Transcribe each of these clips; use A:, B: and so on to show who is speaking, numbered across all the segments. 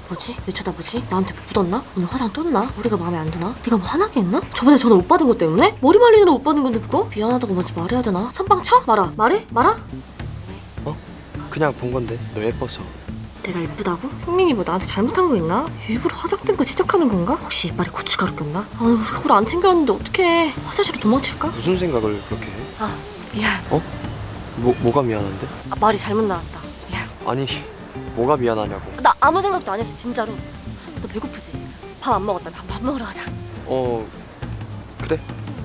A: 뭐지? 왜 쳐다보지? 나한테 뭐 묻었나? 오늘 화장 떴나? 머리가 마음에 안 드나? 내가 뭐 화나게 했나? 저번에 전화 못 받은 것 때문에? 머리 말리느라 못 받은 건데 그거? 미안하다고 먼저 말해야 되나? 선빵 쳐? 말아. 말해? 말아?
B: 그냥 본 건데 너 예뻐서.
A: 내가 예쁘다고? 승민이 뭐 나한테 잘못한 거 있나? 일부러 화장된 거 지적하는 건가? 혹시 이빨에 고춧가루 꼈나? 아유 우리 그걸 안 챙겨왔는데 어떡해. 화장실로 도망칠까?
B: 무슨 생각을 그렇게 해?
A: 아 미안.
B: 뭐가 미안한데?
A: 말이 잘못 나왔다. 미안.
B: 아니 뭐가 미안하냐고.
A: 나 아무 생각도 안 했어 진짜로. 너 배고프지? 밥 안 먹었다. 밥 먹으러 가자.
B: 그래.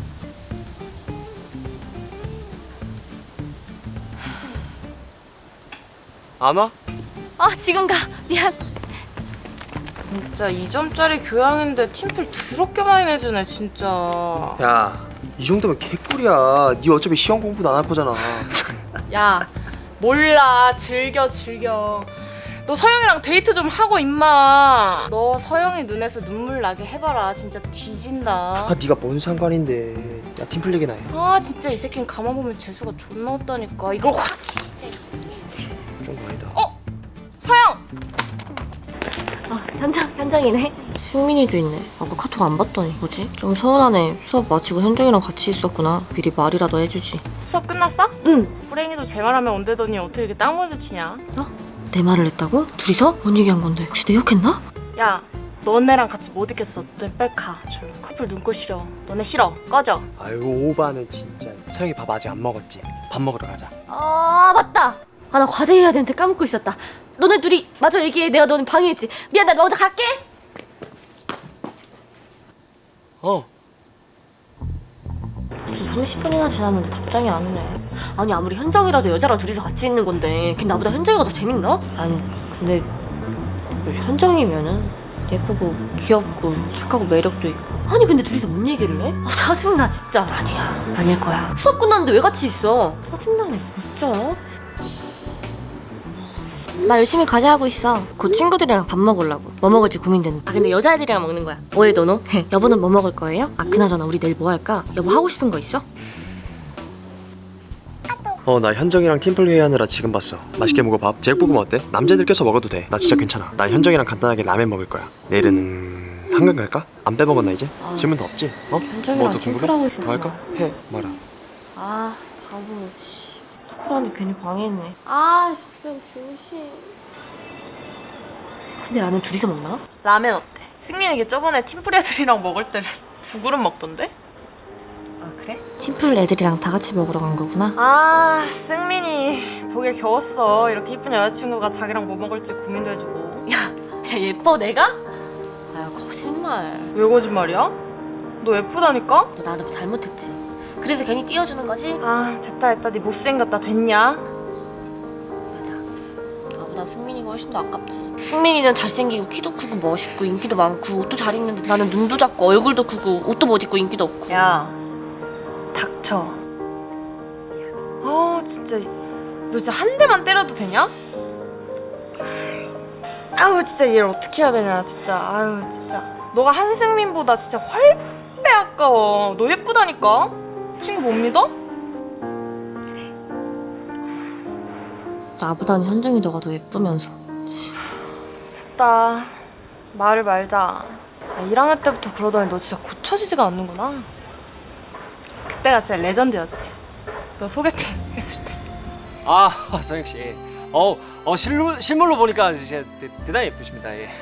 B: 안 와?
A: 지금 가. 미안.
C: 진짜 2점짜리 교양인데 팀플 더럽게 많이 내주네 진짜.
B: 야, 이 정도면 개꿀이야. 니 어차피 시험 공부도 안 할 거잖아.
C: 야 몰라 즐겨. 너 서영이랑 데이트 좀 하고 임마. 너 서영이 눈에서 눈물 나게 해봐라. 진짜 뒤진다.
B: 네가 뭔 상관인데. 야, 팀플 얘기나 해.
C: 진짜 이 새끼는 가만 보면 재수가 존나 없다니까. 이걸 확 진짜.
B: 좀 아니다.
C: 서영!
A: 현정이네. 승민이도 있네. 아까 카톡 안 봤더니 뭐지? 좀 서운하네. 수업 마치고 현정이랑 같이 있었구나. 미리 말이라도 해주지.
C: 수업 끝났어?
A: 응.
C: 호랭이도 제 말하면 온대더니 어떻게 이렇게 딱 먼저 치냐?
A: 내 말을 했다고? 둘이서? 뭔 얘기한 건데? 혹시 내 욕했나?
C: 야 너네랑 같이 못 있겠어. 너네 빨리 가. 저 커플 눈꼴 싫어. 너네 싫어. 꺼져.
B: 아이고 오바는 진짜. 서영이 밥 아직 안 먹었지? 밥 먹으러 가자.
A: 맞다. 나 과제해야 되는데 까먹고 있었다. 너네 둘이 마저 얘기해. 내가 너네 방해했지. 미안, 나 먼저 갈게.
B: 어.
A: 30분이나 지났는데 답장이 안 오네. 아니 아무리 현정이라도 여자랑 둘이서 같이 있는 건데 걔 나보다 현정이가 더 재밌나? 아니 근데 현정이면은 예쁘고 귀엽고 착하고 매력도 있고. 아니 근데 둘이서 뭔 얘기를 해? 짜증나 진짜. 아니야 아닐 거야. 수업 끝났는데 왜 같이 있어? 짜증나네 진짜. 나 열심히 과제하고 있어. 곧 친구들이랑 밥 먹으려고. 뭐 먹을지 고민된다. 근데 여자애들이랑 먹는 거야. 뭐해 너노? 여보는 뭐 먹을 거예요? 그나저나 우리 내일 뭐 할까? 여보 하고 싶은 거 있어?
B: 나 현정이랑 팀플 회의하느라 지금 봤어. 맛있게 먹어 밥. 제육볶음 어때? 남자들 껴서 먹어도 돼. 나 진짜 괜찮아. 난 현정이랑 간단하게 라면 먹을 거야. 내일은 한강 갈까? 안 빼먹었나 이제? 질문 더 없지?
A: 현정이랑
B: 뭐 더 궁금해?
A: 팀플하고 있었구나.
B: 더 할까? 해 말아.
A: 바보. 팀플하는데 괜히 방해했네. 진짜 조심. 근데 라면 둘이서 먹나?
C: 라면 어때? 승민이게 저번에 팀플 애들이랑 먹을 때는 2그릇 먹던데?
A: 그래? 팀플 애들이랑 다 같이 먹으러 간 거구나.
C: 승민이 보기에 겨웠어. 이렇게 이쁜 여자친구가 자기랑 뭐 먹을지 고민도 해주고.
A: 야 예뻐 내가? 거짓말.
C: 왜 거짓말이야? 너 예쁘다니까?
A: 너 나한테 뭐 잘못했지? 그래서 괜히 띄워주는 거지?
C: 됐다 네 못생겼다. 됐냐?
A: 맞아. 나보다 승민이가 훨씬 더 아깝지. 승민이는 잘생기고 키도 크고 멋있고 인기도 많고 옷도 잘 입는데 나는 눈도 작고 얼굴도 크고 옷도 못 입고 인기도 없고.
C: 야 닥쳐. 진짜 너 진짜 한 대만 때려도 되냐? 진짜 얘를 어떻게 해야 되냐 진짜. 진짜 너가 한승민보다 진짜 훨배 아까워. 너 예쁘다니까? 친구 못 믿어?
A: 나보다는 현정이 너가 더 예쁘면서.
C: 됐다. 말을 말자. 1학년 때부터 그러더니 너 진짜 고쳐지지가 않는구나. 그때가 진짜 레전드였지. 너 소개팅 했을 때.
D: 서영 씨. 실물로 보니까 진짜 대단히 예쁘십니다. 예.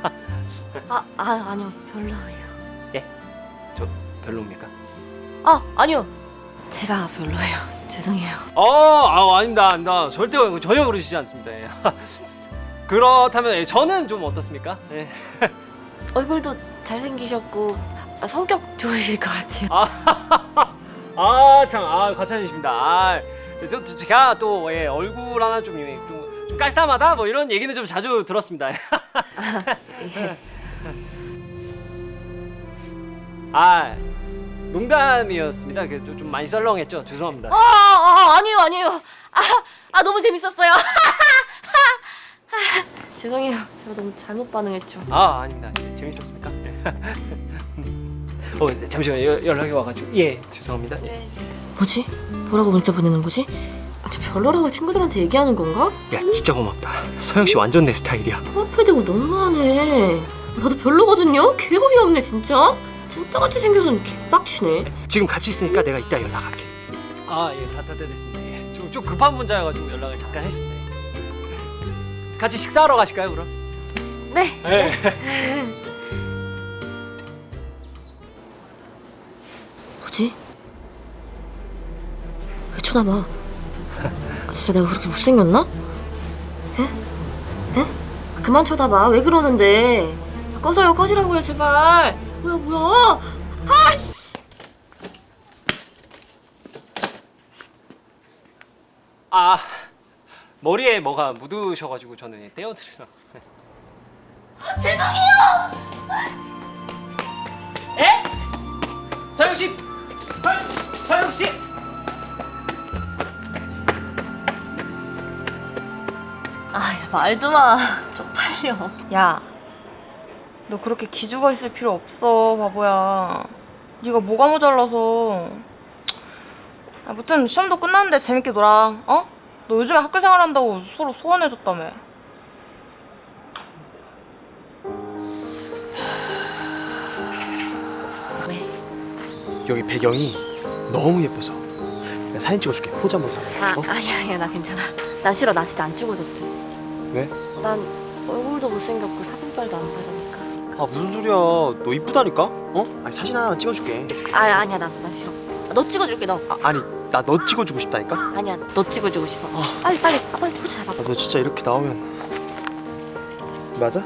A: 아니요 별로예요.
D: 저 별로입니까?
A: 아니요 제가 별로예요. 죄송해요.
D: 아닙니다. 절대 전혀 그러시지 않습니다. 예. 그렇다면 저는 좀 어떻습니까? 예.
A: 얼굴도 잘생기셨고 성격 좋으실 것 같아요.
D: 참, 과찬이십니다. 그래서 제가 또 얼굴 하나 좀 깔쌈하다 뭐 이런 얘기는 좀 자주 들었습니다.
A: 예.
D: 농담이었습니다. 좀 많이 썰렁했죠. 죄송합니다.
A: 아니에요. 너무 재밌었어요. 죄송해요. 제가 너무 잘못 반응했죠.
D: 아닙니다. 재밌었습니까? 잠시만요. 연락이 와가지고. 예, 죄송합니다.
A: 네. 뭐지? 뭐라고 문자 보내는 거지? 저 별로라고 친구들한테 얘기하는 건가?
D: 야, 진짜 고맙다. 서영 씨 완전 내 스타일이야.
A: 화폐도 거 너무하네. 나도 별로거든요? 개어이 없네 진짜. 찐따같이 생겨서 개빡치네.
B: 지금 같이 있으니까 내가 이따 연락할게.
D: 아, 예, 다 됐습니다. 예. 좀 급한 문자여가지고 연락을 잠깐 했습니다. 예. 같이 식사하러 가실까요, 그럼?
A: 네.
D: 네.
A: 뭐지? 왜 쳐다봐? 아, 진짜 내가 그렇게 못생겼나? 에? 에? 그만 쳐다봐. 왜 그러는데? 꺼져요, 꺼지라고요, 제발. 뭐야? 아씨!
D: 아, 머리에 뭐가 묻으셔가지고 저는 떼어드리려. 에? 서영 씨, 서영 씨.
A: 아, 야, 말도 마. 쪽팔려.
C: 야, 너 그렇게 기죽어 있을 필요 없어, 바보야. 네가 뭐가 모자라서. 아무튼 시험도 끝났는데 재밌게 놀아. 어? 너 요즘에 학교 생활한다고 서로 소원해줬다며.
A: 왜?
B: 여기 배경이 너무 예뻐서 내가 사진 찍어줄게. 포즈 한번 잡아. 어?
A: 아니야, 나 괜찮아. 나 싫어. 나 진짜 안 찍어도 돼.
B: 왜?
A: 난 얼굴도 못생겼고 사진빨도 안 받으니까.
B: 아 무슨 소리야. 너 이쁘다니까? 어? 아니 사진 하나만 찍어줄게.
A: 아니야, 나 싫어. 너 찍어줄게, 너.
B: 아니 나 너 찍어주고 싶다니까?
A: 아니야, 너 찍어주고 싶어. 빨리, 빨리 포즈 잡아.
B: 아, 너 진짜 이렇게 나오면 맞아?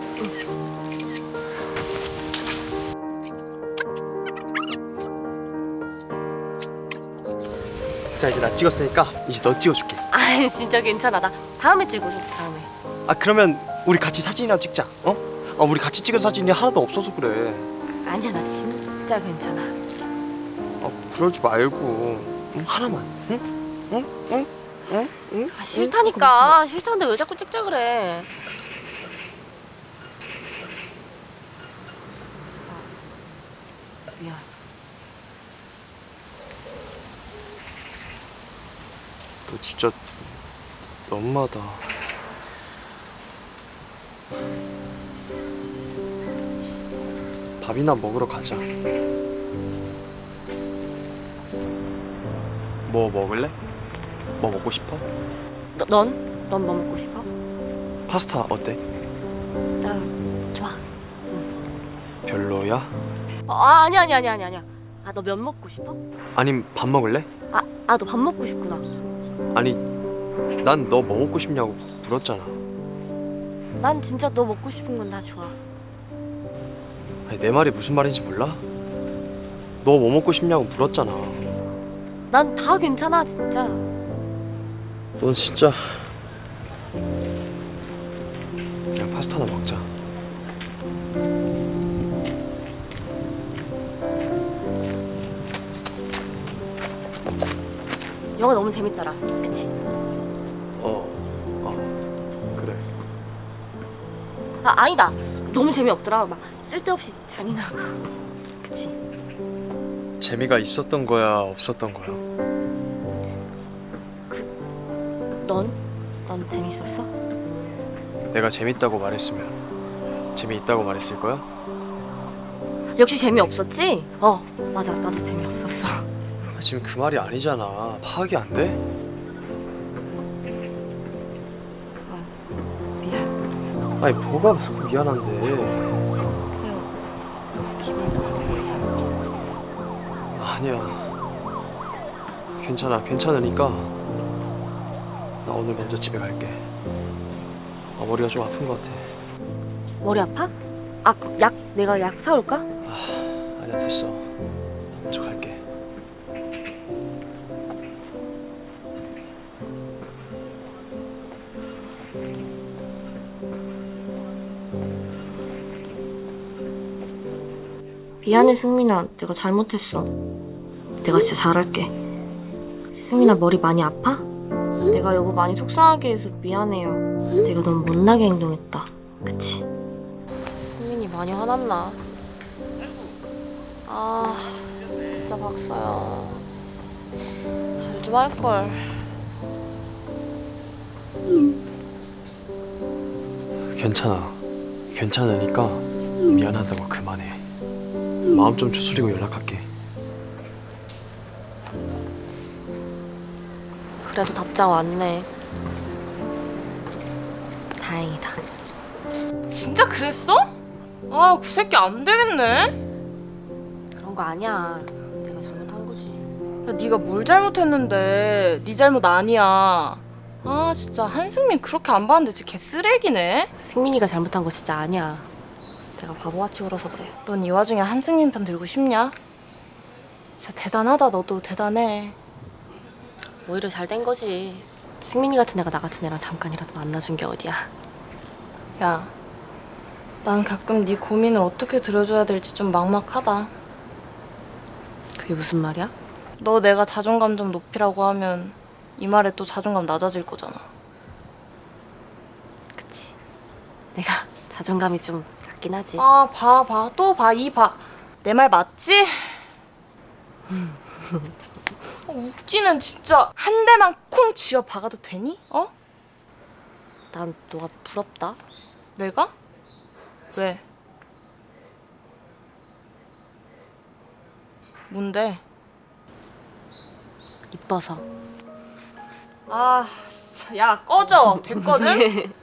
B: 자 이제 나 찍었으니까 이제 너 찍어줄게.
A: 아, 진짜 괜찮아. 나 다음에 찍어줘. 다음에.
B: 아 그러면 우리 같이 사진이나 찍자. 어? 아 우리 같이 찍은 사진이 하나도 없어서 그래.
A: 아니야, 나 진짜 괜찮아.
B: 아 그러지 말고 응? 하나만. 응? 응? 응? 응? 응?
A: 아, 싫다니까. 싫다는데 왜 자꾸 찍자 그래? 미안.
B: 너 진짜 너무하다. 밥이나 먹으러 가자. 뭐 먹을래? 뭐 먹고 싶어?
A: 넌 뭐 먹고 싶어?
B: 파스타 어때?
A: 나 좋아.
B: 별로야?
A: 아니야. 아, 너 면 먹고 싶어?
B: 아님 밥 먹을래?
A: 너 밥 먹고 싶구나.
B: 아니 난 너 뭐 먹고 싶냐고 물었잖아.
A: 난 진짜 너 먹고 싶은 건 다 좋아.
B: 아니 내 말이 무슨 말인지 몰라? 너 뭐 먹고 싶냐고 물었잖아.
A: 난 다 괜찮아, 진짜.
B: 넌 진짜 그냥 파스타나 먹자.
A: 영화 너무 재밌더라. 그치?
B: 그래.
A: 아니다. 너무 재미없더라. 막 쓸데없이 잔인하고. 그치?
B: 재미가 있었던 거야 없었던 거야?
A: 넌 재밌었어?
B: 내가 재밌다고 말했으면 재미있다고 말했을 거야?
A: 역시 재미없었지? 맞아. 나도 재미없었어.
B: 지금 그 말이 아니잖아. 파악이 안 돼?
A: 미안.
B: 아니 뭐가 미안한데.
A: 기분 나쁘게 해서.
B: 아니야. 괜찮으니까 나 오늘 먼저 집에 갈게. 머리가 좀 아픈 것 같아.
A: 머리 아파? 그럼 내가 약 사올까?
B: 아니야 됐어. 먼저 갈게.
A: 미안해, 승민아. 내가 잘못했어. 내가 진짜 잘할게. 승민아, 머리 많이 아파? 내가 여보 많이 속상하게 해서 미안해요. 내가 너무 못나게 행동했다. 그치? 승민이 많이 화났나? 진짜 박사야. 잘 좀 할걸.
B: 괜찮아. 괜찮으니까 미안하다고 그만해. 마음 좀 추스리고 연락할게.
A: 그래도 답장 왔네. 다행이다.
C: 진짜 그랬어? 아, 그 새끼 안 되겠네.
A: 그런 거 아니야. 내가 잘못한 거지.
C: 야, 네가 뭘 잘못했는데 네 잘못 아니야. 아, 진짜 한승민 그렇게 안 봤는데 진짜 개쓰레기네.
A: 승민이가 잘못한 거 진짜 아니야. 내가 바보같이 굴어서 그래.
C: 넌 이 와중에 한승민 편 들고 싶냐? 진짜 대단하다. 너도 대단해.
A: 오히려 잘 된 거지. 승민이 같은 애가 나 같은 애랑 잠깐이라도 만나준 게 어디야.
C: 야, 난 가끔 네 고민을 어떻게 들어줘야 될지 좀 막막하다.
A: 그게 무슨 말이야?
C: 너 내가 자존감 좀 높이라고 하면 이 말에 또 자존감 낮아질 거잖아.
A: 그치. 내가 자존감이 좀 낮긴 하지.
C: 아, 봐. 또 봐. 이 봐. 내 말 맞지? 웃기는 진짜 한 대만 콩 쥐어 박아도 되니? 어?
A: 난 너가 부럽다.
C: 내가? 왜? 뭔데?
A: 이뻐서.
C: 아, 진짜. 야, 꺼져. 됐거든?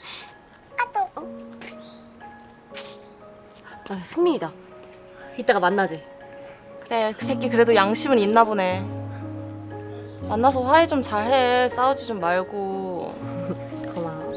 A: 아, 승민이다. 이따가 만나지.
C: 그래, 그 새끼 그래도 양심은 있나 보네. 만나서 화해 좀 잘해. 싸우지 좀 말고.
A: 고마워.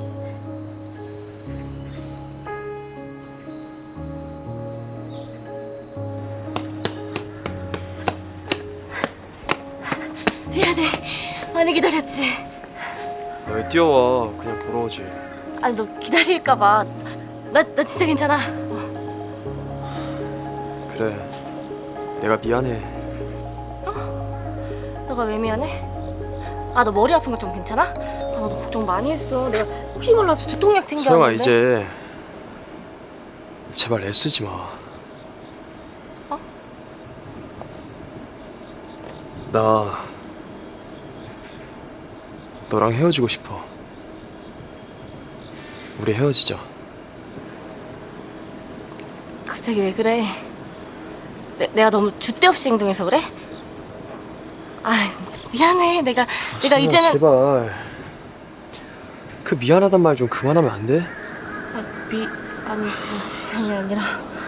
A: 미안해. 많이 기다렸지.
B: 왜 뛰어와? 그냥 보러 오지.
A: 아니 너 기다릴까봐. 나 진짜 괜찮아.
B: 그래, 내가 미안해.
A: 너가 왜 미안해? 아 너 머리 아픈 거 좀 괜찮아? 아 너 걱정 많이 했어. 내가 혹시 몰라서 두통약
B: 소영아,
A: 챙겨왔는데.
B: 이제 제발 애쓰지 마.
A: 어?
B: 나 너랑 헤어지고 싶어. 우리 헤어지자.
A: 갑자기 왜 그래? 내가 너무 줏대 없이 행동해서 그래? 아 미안해. 내가
B: 소영아,
A: 이제는
B: 제발 그 미안하단 말 좀 그만하면 안 돼?
A: 아니 아니라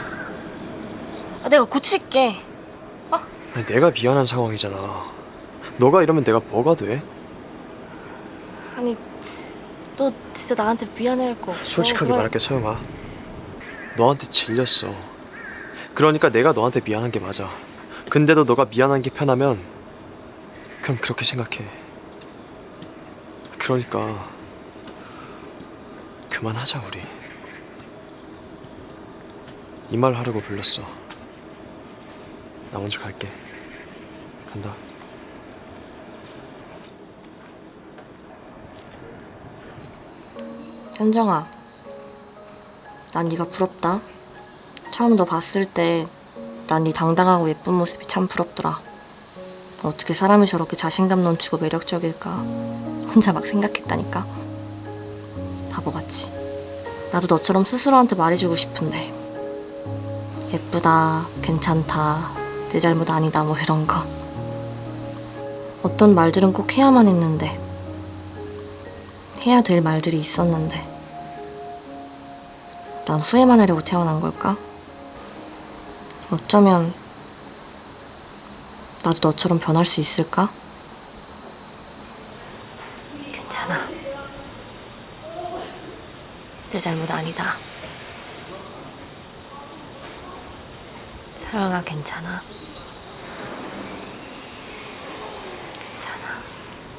A: 내가 고칠게.
B: 아니, 내가 미안한 상황이잖아. 너가 이러면 내가 뭐가 돼?
A: 아니 너 진짜 나한테 미안해할 거 없어.
B: 솔직하게
A: 그럼-
B: 말할게, 서영아. 너한테 질렸어. 그러니까 내가 너한테 미안한 게 맞아. 근데도 너가 미안한 게 편하면 그럼 그렇게 생각해. 그러니까 그만하자, 우리. 이 말 하려고 불렀어. 나 먼저 갈게. 간다.
A: 현정아, 난 네가 부럽다. 처음 너 봤을 때 난 네 당당하고 예쁜 모습이 참 부럽더라. 어떻게 사람이 저렇게 자신감 넘치고 매력적일까 혼자 막 생각했다니까. 바보같이. 나도 너처럼 스스로한테 말해주고 싶은데 예쁘다, 괜찮다, 내 잘못 아니다 뭐 이런 거. 어떤 말들은 꼭 해야만 했는데 해야 될 말들이 있었는데 난 후회만 하려고 태어난 걸까? 어쩌면 나도 너처럼 변할 수 있을까? 괜찮아. 내 잘못 아니다. 서영아 괜찮아.